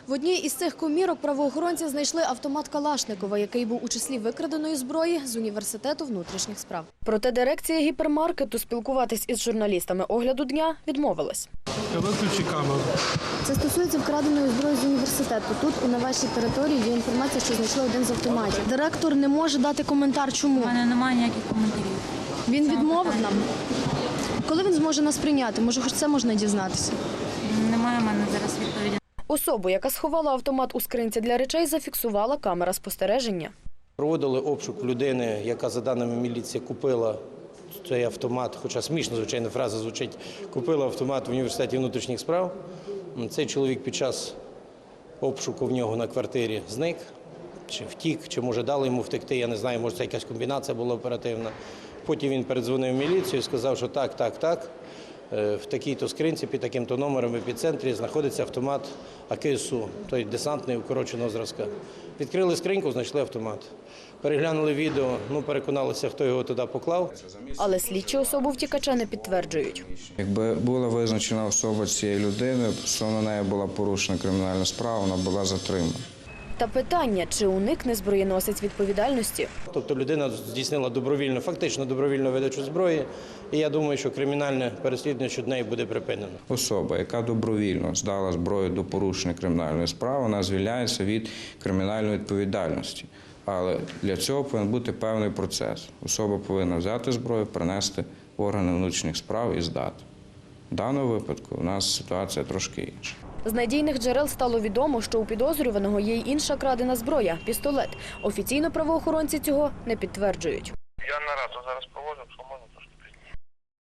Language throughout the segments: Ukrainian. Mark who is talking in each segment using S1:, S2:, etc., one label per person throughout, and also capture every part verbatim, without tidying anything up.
S1: В одній із цих комірок правоохоронці знайшли автомат Калашникова, який був у числі викраденої зброї з університету внутрішніх справ. Проте дирекція гіпермаркету спілкуватись із журналістами огляду дня відмовилась.
S2: Виключи камеру.
S1: Це стосується вкраденої зброї з університету. Тут, на вашій території, є інформація, що знайшли один з автоматів. Директор не може дати коментар. Чому?
S3: У мене немає ніяких коментарів.
S1: Він відмовив нам? Коли він зможе нас прийняти? Може, хоч це можна дізнатися?
S3: Немає в мене зараз відповіді.
S1: Особу, яка сховала автомат у скринці для речей, зафіксувала камера спостереження.
S4: Проводили обшук людини, яка, за даними міліції, купила цей автомат, хоча смішно, звичайно, фраза звучить, купила автомат в університеті внутрішніх справ. Цей чоловік під час обшуку в нього на квартирі зник, чи втік, чи, може, дали йому втекти, я не знаю, може, це якась комбінація була оперативна. Потім він передзвонив в міліцію і сказав, що так, так, так, в такій-то скринці, під таким-то номером в епіцентрі знаходиться автомат А К С У, той десантний укороченого зразка. Відкрили скриньку, знайшли автомат. Переглянули відео, ну, переконалися, хто його туди поклав.
S1: Але слідчі особу втікача не підтверджують.
S5: Якби була визначена особа цієї людини, то на неї була порушена кримінальна справа, вона була затримана.
S1: Та питання, чи уникне зброєносець відповідальності?
S4: Тобто людина здійснила добровільну, фактично добровільну видачу зброї, і я думаю, що кримінальне переслідування щодо неї буде припинено.
S5: Особа, яка добровільно здала зброю до порушення кримінальної справи, вона звільняється від кримінальної відповідальності. Але для цього повинен бути певний процес. Особа повинна взяти зброю, принести в органи внутрішніх справ і здати. В даному випадку у нас ситуація трошки інша.
S1: З надійних джерел стало відомо, що у підозрюваного є й інша крадена зброя – пістолет. Офіційно правоохоронці цього не підтверджують.
S6: Я нараду зараз проводжу, що можна трошки пізніше.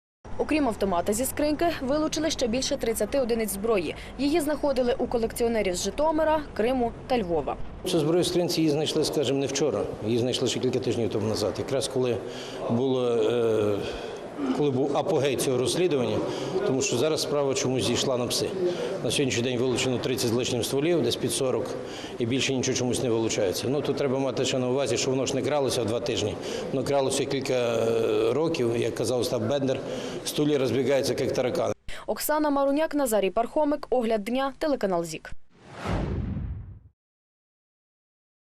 S1: Окрім автомата зі скриньки, вилучили ще більше тридцяти одиниць зброї. Її знаходили у колекціонерів з Житомира, Криму та Львова.
S4: Цю зброю в скринці її знайшли, скажімо, не вчора. Її знайшли ще кілька тижнів тому назад. Якраз коли було... Е коли був апогей цього розслідування, тому що зараз справа чомусь зійшла на пси. На сьогоднішній день вилучено тридцять з лишнім стволів, десь під сорок, і більше нічого чомусь не вилучається. Ну, тут треба мати ще на увазі, що воно ж не кралося в два тижні. Воно кралося кілька років, як казав Остап Бендер, стулі розбігаються, як таракани.
S1: Оксана Маруняк, Назарій Пархомик, огляд дня, телеканал ЗІК.